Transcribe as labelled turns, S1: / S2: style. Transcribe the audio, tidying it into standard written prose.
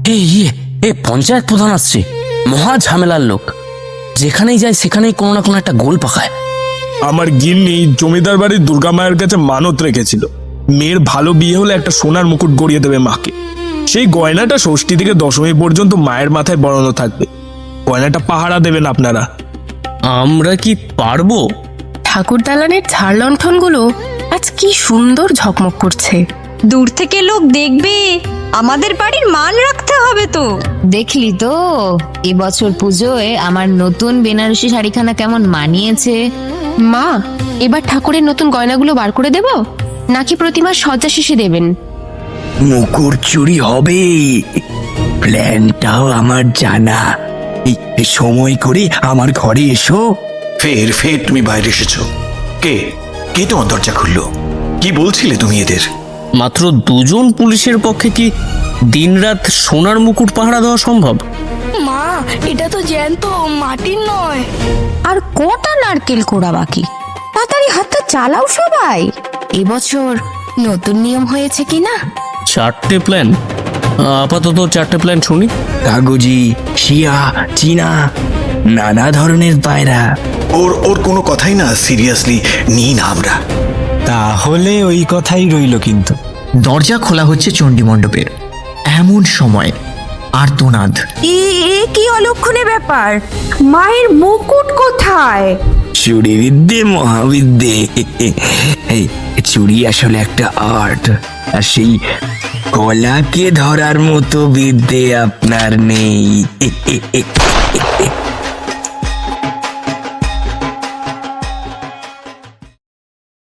S1: পঞ্চায়েত প্রধান আসছে, মহা ঝামেলার লোক। যেখানেই যায় সেখানেই কোনো না কোনো একটা গোল পাকায়।
S2: আমার গিন্নি জমিদার বাড়ির দুর্গা মায়ের কাছে মানত রেখেছিল, মেয়ের ভালো বিয়ে হলে একটা সোনার মুকুট গড়িয়ে দেবে মাকে। সেই গয়নাটা ষষ্ঠী থেকে দশমী পর্যন্ত মায়ের মাথায় বরানো থাকবে। গয়নাটা পাহারা দেবেন আপনারা।
S1: আমরা কি পারবো?
S3: ঠাকুর দালানের ঝাড় লণ্ঠনগুলো আজ কি সুন্দর ঝকমক করছে।
S4: দূর থেকে লোক দেখবে, আমাদের বাড়ির মান রাখতে হবে তো।
S5: দেখলি তো এবছর পুজোয় আমার নতুন বেনারসি শাড়িখানা কেমন মানিয়েছে।
S3: মা, এবার ঠাকুরের নতুন গয়নাগুলো বার করে দেব, নাকি প্রতিমার সজ্জা শেষে দেবেন?
S6: মুকুট চুরি হবে, প্ল্যানটাও আমার জানা। এই সময় করে আমার ঘরে এসো।
S7: ফের ফের তুমি বাইরে এসেছো? কে কে তোমার দরজা খুললো? কি বলছিলে তুমি এদের?
S1: মাত্র দুজন পুলিশের পক্ষে কি দিনরাত সোনার মুকুট পাহারা দেওয়া সম্ভব?
S8: মা, এটা তো জ্যান্ত, মাটির নয়।
S3: আর কটা নারকেল কোড়া বাকি, তাড়াতাড়ি হাতটা চালাও সবাই। এবছর নতুন নিয়ম হয়েছে কিনা?
S1: 4টে প্ল্যান? আপাতত 4টে প্ল্যান শুনি।
S6: কাগজি, শিয়া, চীনা, নানা ধরনের পায়রা।
S7: ওর কোনো কথাই না সিরিয়াসলি নিই না আমরা।
S9: তাহলে ওই কথাই রইল। কিন্তু
S10: দরজা খোলা হচ্ছে চণ্ডী মণ্ডপের। এমন সময় আর্তনাদ।
S4: এ কি অলক্ষণে ব্যাপার, মায়ের মুকুট কোথায়?
S6: চুরি বিদ্যে মহাবিদ্যে। এই চুরি আসলে একটা আর্ট, আর সেই কলাকে ধরার মতো বিদ্যে আপনার নেই।